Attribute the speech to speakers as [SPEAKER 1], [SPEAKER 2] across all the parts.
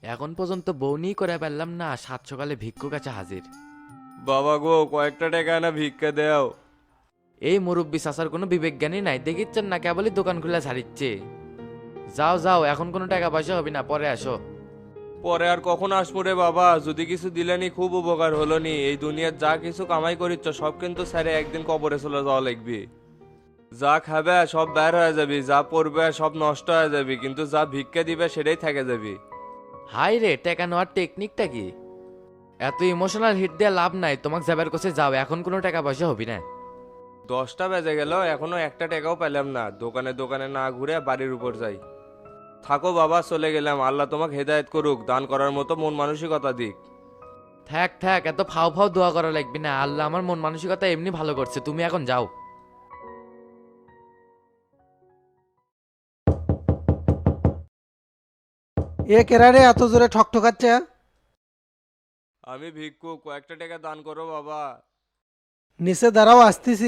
[SPEAKER 1] এখন পর্যন্ত বউনি করে পারলাম না, সাত সকালে ভিক্ষুক কাছে হাজির।
[SPEAKER 2] বাবা গো, কয়েকটা টাকা না ভিক্ষা দেও।
[SPEAKER 1] এই মুরব্বী চাচার কোনো বিবেক জ্ঞানী নাই, দেখিচ্ছেন না কেবলই দোকান খুলে ছাড়িচ্ছে। যাও যাও, এখন কোনো টাকা পয়সা হবে না, পরে আসো।
[SPEAKER 2] পরে আর কখন আসবো রে বাবা, যদি কিছু দিলেনি খুব উপকার হলো নি। এই দুনিয়ার যা কিছু কামাই করিচ্ছ সব কিন্তু স্যারে একদিন কবরে চলে যাওয়া লাগবে। যা খাবে সব বের হয়ে যাবি, যা পড়বে সব নষ্ট হয়ে যাবি, কিন্তু যা ভিক্ষা দিবে সেটাই থেকে যাবি।
[SPEAKER 1] হাই রে, টাকা নেওয়ার টেকনিকটা কি? এত ইমোশনাল হিট দিয়ে লাভ নাই, তোমাকে যাবার কাছে যাও, এখন কোনো টাকা পয়সা হবে না।
[SPEAKER 2] 10টা বেজে গেল, এখনো একটা টাকাও পেলাম না। দোকানে দোকানে না ঘুরে বাড়ির উপর যাই। থাকো বাবা, চলে গেলাম। আল্লাহ তোমাকে হেদায়েত করুক, দান করার মতো মন মানসিকতা দিক।
[SPEAKER 1] থাক থাক, এত ফাও ফাও দোয়া করা লাগবে না, আল্লাহ আমার মন মানসিকতা এমনি ভালো করছে, তুমি এখন যাও।
[SPEAKER 3] এ কেরারে এত জোরে ঠকঠকাচ্ছে?
[SPEAKER 2] আমি ভিক্ষু, কয়েকটা টাকা দান করো বাবা।
[SPEAKER 3] নিচে দাঁড়াও, আসতেছি।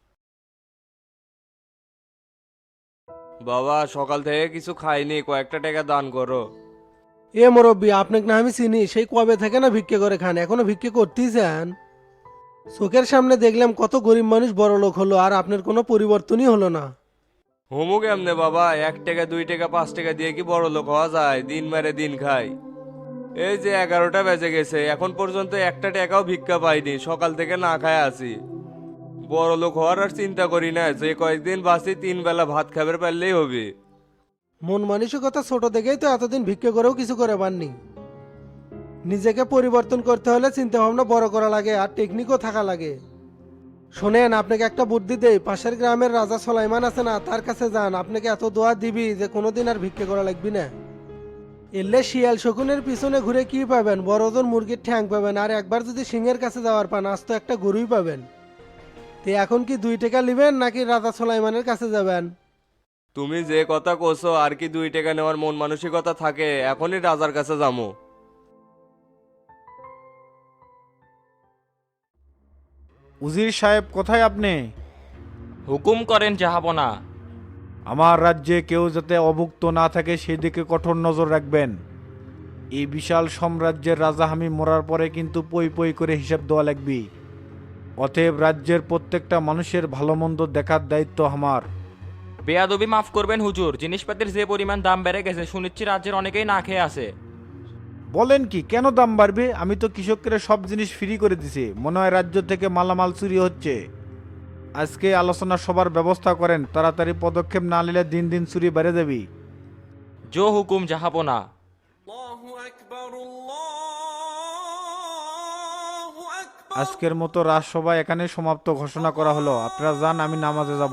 [SPEAKER 2] বাবা সকাল থেকে কিছু খাইনি, কয়েকটা টাকা দান করো।
[SPEAKER 3] এ মুরব্বী, আপনাকে না আমি চিনি, সেই কবে থেকে না ভিক্ষে করে খান, এখনো ভিক্ষে করতেই চান? চোখের সামনে দেখলাম কত গরিব মানুষ বড় লোক হলো, আর আপনার কোনো পরিবর্তনই হলো না।
[SPEAKER 2] হোমুক এমনে বাবা, 1 টাকা 2 টাকা 5 টাকা দিয়ে কি বড় লোক হওয়া যায়? দিন মেরে দিন খাই। এই যে 11টা বেজে গেছে, এখন পর্যন্ত একটা টাকাও ভিক্ষা পাইনি, সকাল থেকে না খায় আছি। বড় লোক হওয়ার আর চিন্তা করি না, যে কয়েকদিন বাঁচি 3 বেলা ভাত খাবার পারলেই হবে।
[SPEAKER 3] মন মানসিকতা ছোট দেখেই তো এতদিন ভিক্ষে করেও কিছু করে পাননি। নিজেকে পরিবর্তন করতে হলে চিন্তা ভাবনা বড় করা লাগে, আর টেকনিকও থাকা লাগে। শোনেন, আপনাকে একটা বুদ্ধি দেই, পাশের গ্রামের রাজা সোলাইমান আছে না, তার কাছে যান, আপনাকে এত দোয়া দিবি যে কোনোদিন আর ভিক্ষে করা লাগবে না। এলে শিয়াল শকুনের পিছনে ঘুরে কি পাবেন? বড় ওজন মুরগির ঠ্যাং পাবেন, আর একবার যদি সিংহের কাছে যাওয়ার পান, আজ তো একটা গরুই পাবেন। তে এখন কি 2 টাকা নেবেন নাকি রাজা সোলাইমানের কাছে যাবেন?
[SPEAKER 2] তুমি যে কথা কোসো, আর কি 2 টাকা নেওয়ার মন মানসিকতা থাকে? এখনই রাজার কাছে যাবো।
[SPEAKER 4] উজির সাহেব, কোথায় আপনি?
[SPEAKER 5] হুকুম করেন জাহাপনা।
[SPEAKER 4] আমার রাজ্যে কেউ যাতে অভুক্ত না থাকে সেদিকে কঠোর নজর রাখবেন। এই বিশাল সাম্রাজ্যের রাজা আমি মরার পরে কিন্তু পই পই করে হিসাব দেওয়া লাগবে। অতএব রাজ্যের প্রত্যেকটা মানুষের ভালো মন্দ দেখার দায়িত্ব আমার।
[SPEAKER 5] বেয়াদবি মাফ করবেন হুজুর, জিনিসপাতির যে পরিমাণ দাম বেড়ে গেছে শুনিচ্ছি রাজ্যের অনেকেই না খেয়ে আছে।
[SPEAKER 4] বলেন কি, কেন দাম বাড়বে? আমি তো কৃষকদের সব জিনিস ফ্রি করে দিছি, মনে হয় রাজ্য থেকে মালামাল চুরি হচ্ছে। আজকে আলোচনা সবার ব্যবস্থা করেন, তাড়াতাড়ি পদক্ষেপ না নিলে দিন দিন চুরি বেড়ে যাবে।
[SPEAKER 5] জো হুকুম জাহাপনা।
[SPEAKER 4] আজকের মতো রাজসভা এখানে সমাপ্ত ঘোষণা করা হলো। আপনারা যান, আমি নামাজে যাব।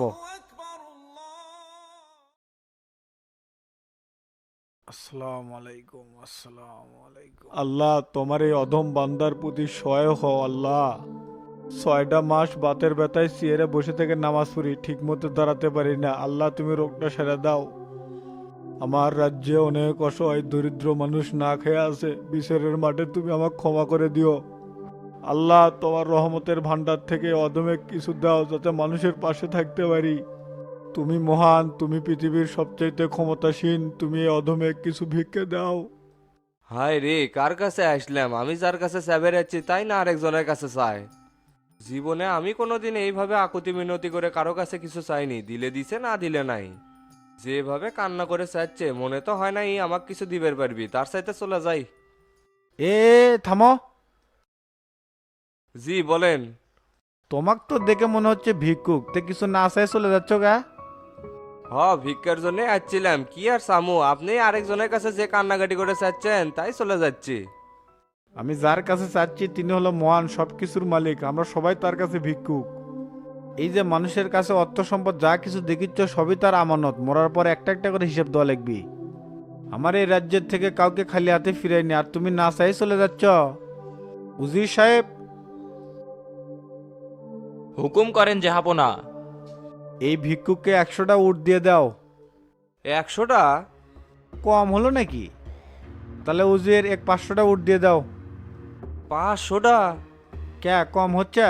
[SPEAKER 4] আসসালামু আলাইকুম। আসসালামু আলাইকুম। আল্লাহ, তোমার এই অধম বান্দার প্রতি সহায় হও আল্লাহ। 6টা মাস বাতের ব্যথায় চেয়ারে বসে থেকে নামাজ পড়ি, ঠিক মতো দাঁড়াতে পারি না। আল্লাহ, তুমি রোগটা সেরে দাও। আমার রাজ্যে অনেক অসহায় দরিদ্র মানুষ না খেয়ে আছে, বিচারের মাঠে তুমি আমাকে ক্ষমা করে দিও আল্লাহ। তোমার রহমতের ভান্ডার থেকে অধমে কিছু দাও, যাতে মানুষের পাশে থাকতে পারি। তুমি মহান, তুমি পৃথিবীর সবচাইতে ক্ষমতাসীন, তুমি এই অধমে কিছু ভিক্ষে দাও।
[SPEAKER 2] হায় রে, কার কাছে আসলাম? আমি যার কাছে চাবে যাচ্ছি তাই না আরেকজনের কাছে চাই? জীবনে আমি কোনোদিন এইভাবে আকুতি মিনতি করে কারো কাছে কিছু চাইনি, দিলে দিছে না দিলে নাই। যেভাবে কান্না করে চাচ্ছে, মনে তো হয় না এই আমাকে কিছু দিবের পারবি, তার চাইতে চলে যাই।
[SPEAKER 4] এ থামো।
[SPEAKER 2] জি বলেন।
[SPEAKER 4] তোমাক তো দেখে মনে হচ্ছে ভিক্ষুক, তে কিছু না চাই চলে যাচ্ছ গা?
[SPEAKER 2] ভিক্ষার জন্য আসছিলাম, কি আর সামু, আপনি আরেকজনের কাছে যে কান্নাকাটি করে চাচ্ছেন তাই চলে যাচ্ছি।
[SPEAKER 4] আমি যার কাছে চাচ্ছি তিনি হলো মহান, সবকিছুর মালিক, আমরা সবাই তার কাছে ভিক্ষুক। এই যে মানুষের কাছে অর্থ সম্পদ যা কিছু দেখিচ্ছ সবই তার আমানত, মরার পর একটা একটা করে হিসেব দেওয়া লাগবে। আমার এই রাজ্যের থেকে কাউকে খালি হাতে ফিরাইনি, আর তুমি না চাই চলে যাচ্ছ? উজির সাহেব,
[SPEAKER 5] হুকুম করেন জাহাপনা।
[SPEAKER 4] এই ভিক্ষুককে 100টা উট দিয়ে দাও।
[SPEAKER 2] 100টা?
[SPEAKER 4] কম হলো নাকি? তাহলে উজির 500টা উট দিয়ে দাও।
[SPEAKER 2] 500টা?
[SPEAKER 4] কে কম হচ্ছে?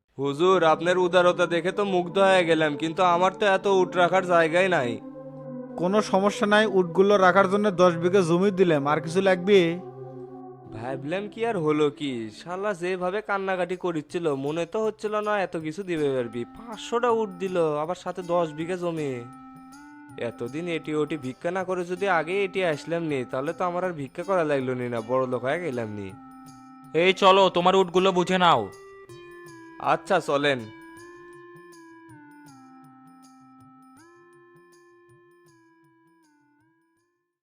[SPEAKER 2] হুজুর, আপনার উদারতা দেখে তো মুগ্ধ হয়ে গেলাম, কিন্তু আমার তো এত উট রাখার জায়গাই নাই।
[SPEAKER 4] কোনো সমস্যা নাই, উটগুলো রাখার জন্য 10 বিঘা জমি দিলাম, আর কিছু লাগবে?
[SPEAKER 2] ভাবলাম কি আর হলো কি, শালা যেভাবে কান্নাকাটি করিচ্ছিল মনে তো হচ্ছিল না এত কিছু দিবে পারবি। 500টা উঠ দিল, আবার সাথে 10 বিঘা জমি। এতদিন এটি ওটি ভিক্ষা না করে যদি আগে এটি আসলাম নি, তাহলে তো আমার আর ভিক্ষা করা লাগলো নি, না বড় লোক হয়ে গেলাম নি।
[SPEAKER 5] এই চলো তোমার উটগুলো বুঝে নাও।
[SPEAKER 2] আচ্ছা চলেন।